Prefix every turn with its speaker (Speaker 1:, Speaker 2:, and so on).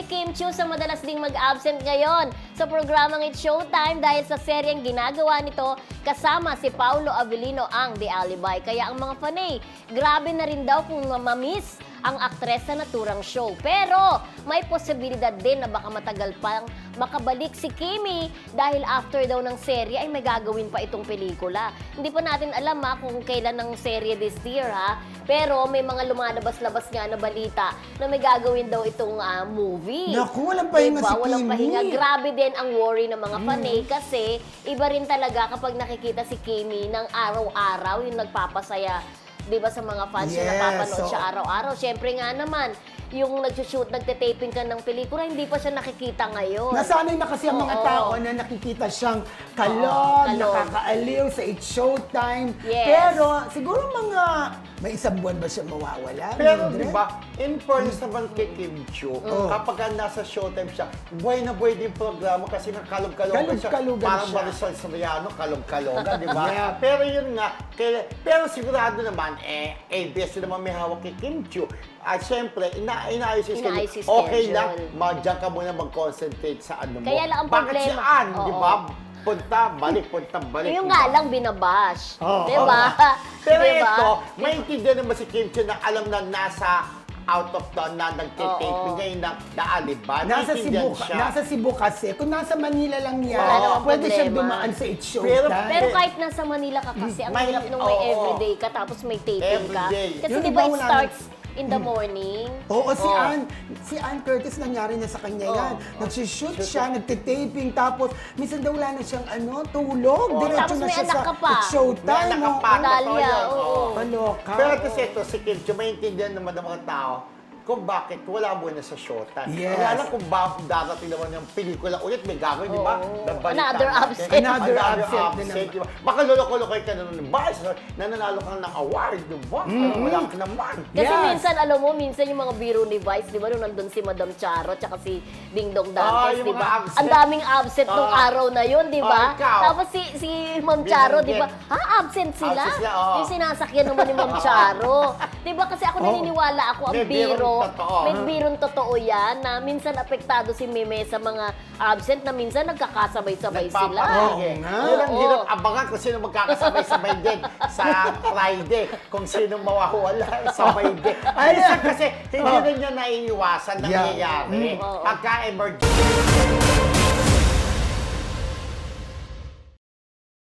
Speaker 1: Kim Chiu sa madalas ding mag-absent ngayon sa programang It's Showtime dahil sa seryeng ginagawa nito kasama si Paulo Avellino ang The Alibi. Kaya ang mga fanay, grabe na rin daw kung mamiss ang aktres sa naturang show. Pero may posibilidad din na baka matagal pang makabalik si Kimi dahil after daw ng serye ay may gagawin pa itong pelikula. Hindi pa natin alam kung kailan ng serye this year pero may mga lumalabas-labas nga na balita na may gagawin daw itong movie.
Speaker 2: Naku, walang pahinga si Kimi.
Speaker 1: Walang pahinga. Grabe din ang worry ng mga fanay kasi iba rin talaga kapag nakikita si Kimi ng araw-araw yung nagpapasaya. Di ba sa mga fans yung napapanood siya araw-araw. Siyempre nga naman, yung nag-shoot, nagte-taping ka ng pelikula, hindi pa siya nakikita ngayon.
Speaker 2: Nasanay na kasi ang mga tao na nakikita siyang kalog, nakakaaliw sa It's Showtime.
Speaker 1: Yes.
Speaker 2: Pero siguro may isang buwan ba siya mawawala?
Speaker 3: Pero
Speaker 2: Mildred?
Speaker 3: di ba, in fairness naman kay Kim Chiu, kapag nasa Showtime siya, buhay na buhay din programa kasi kalog-kalogan siya.
Speaker 2: Kalog-kalogan
Speaker 3: Parang
Speaker 2: siya.
Speaker 3: Marisol Soriano, kalog-kalogan, di ba?
Speaker 2: Yeah.
Speaker 3: Pero yun nga, pero sigurado naman, ABS na naman may hawak kay Kim Chiu. At syempre, inaayos yung
Speaker 1: Inaayos
Speaker 3: schedule.
Speaker 1: yung
Speaker 3: Okay lang,
Speaker 1: schedule.
Speaker 3: diyan ka muna mag-concentrate sa ano mo.
Speaker 1: Kaya lang ang
Speaker 3: Bakit
Speaker 1: problema.
Speaker 3: si Ann, di
Speaker 1: Oo.
Speaker 3: ba? Punta, balik.
Speaker 1: Yung
Speaker 3: di
Speaker 1: nga
Speaker 3: ba?
Speaker 1: lang binabash.
Speaker 2: Oo.
Speaker 1: Di ba?
Speaker 3: Pero
Speaker 1: Di ba?
Speaker 3: ito, maintindihan naman si Kim Chiu na alam na nasa out of town na nagtitaping ngayon na Alibi.
Speaker 2: Nasa Cebu kasi. Kung nasa Manila lang yan,
Speaker 1: Wala namang
Speaker 2: pwede siyang
Speaker 1: problema.
Speaker 2: dumaan sa It's Showtime.
Speaker 1: Pero kahit nasa Manila ka kasi, ang
Speaker 3: May-
Speaker 1: hirap nung may
Speaker 3: oo.
Speaker 1: everyday ka tapos may taping ka.
Speaker 3: Everyday.
Speaker 1: Kasi
Speaker 2: Yung
Speaker 1: di
Speaker 2: iba
Speaker 1: ba it
Speaker 2: wala
Speaker 1: starts in the morning?
Speaker 2: Oo, si
Speaker 1: Oo.
Speaker 2: Ann Curtis nangyari na sa kanya yan. Nagsushoot siya, nagtitaping, tapos minsan daw wala na siyang tulog. Diretso
Speaker 1: Tapos
Speaker 2: na
Speaker 1: may
Speaker 2: siya
Speaker 1: anak
Speaker 2: sa
Speaker 1: ka pa.
Speaker 2: It's Showtime.
Speaker 3: May anak ka pa.
Speaker 1: Dalia,
Speaker 3: Totoo yan.
Speaker 1: oo.
Speaker 2: Kaloka.
Speaker 3: Pero kasi ito, si Kim Chiu, maintindihan naman ng mga tao kung bakit wala muna sa Showtime.
Speaker 2: Yes.
Speaker 3: Kaya lang kung bakit darating naman yung pelikula ulit, may gagawin, di ba?
Speaker 1: Oo.
Speaker 3: Nabalitaan
Speaker 1: Another
Speaker 3: natin.
Speaker 1: absent.
Speaker 2: Another absent din naman.
Speaker 3: di ba? Baka lolo-kolokoy ka na nun, ba? Nananalo ka ng award, di ba? Wala ka naman.
Speaker 1: Kasi
Speaker 2: Yes.
Speaker 1: minsan, alam mo, minsan yung mga biro ni Vice, di ba, nung nandun si Madam Charo, tsaka si Ding Dong Dantes,
Speaker 3: yung
Speaker 1: di
Speaker 3: mga
Speaker 1: ba?
Speaker 3: absent.
Speaker 1: Ang daming absent nung araw na yun, di ba?
Speaker 3: ikaw.
Speaker 1: Tapos si Ma'am Charo, di ba? Absent sila?
Speaker 3: Absent sila, oo.
Speaker 1: Yung sinasakyan naman ni Ma'am Charo. Di ba? Kasi ako naniniwala ako, ang
Speaker 3: May birong
Speaker 1: biro,
Speaker 3: totoo.
Speaker 1: may birong totoo yan, na minsan apektado si Meme sa mga absent, na minsan nagkakasabay-sabay sila.
Speaker 3: Nagpapahingi.
Speaker 2: nga.
Speaker 3: Yun ang
Speaker 1: Oo.
Speaker 3: hirap abangan kung sino magkakasabay-sabay din sa Friday. Kung sino mawawala, sabay din. Minsan kasi hindi rin niya naiiwasan na
Speaker 2: Yeah.
Speaker 3: nangyayari.
Speaker 1: Oo.
Speaker 3: Pagka-emergency.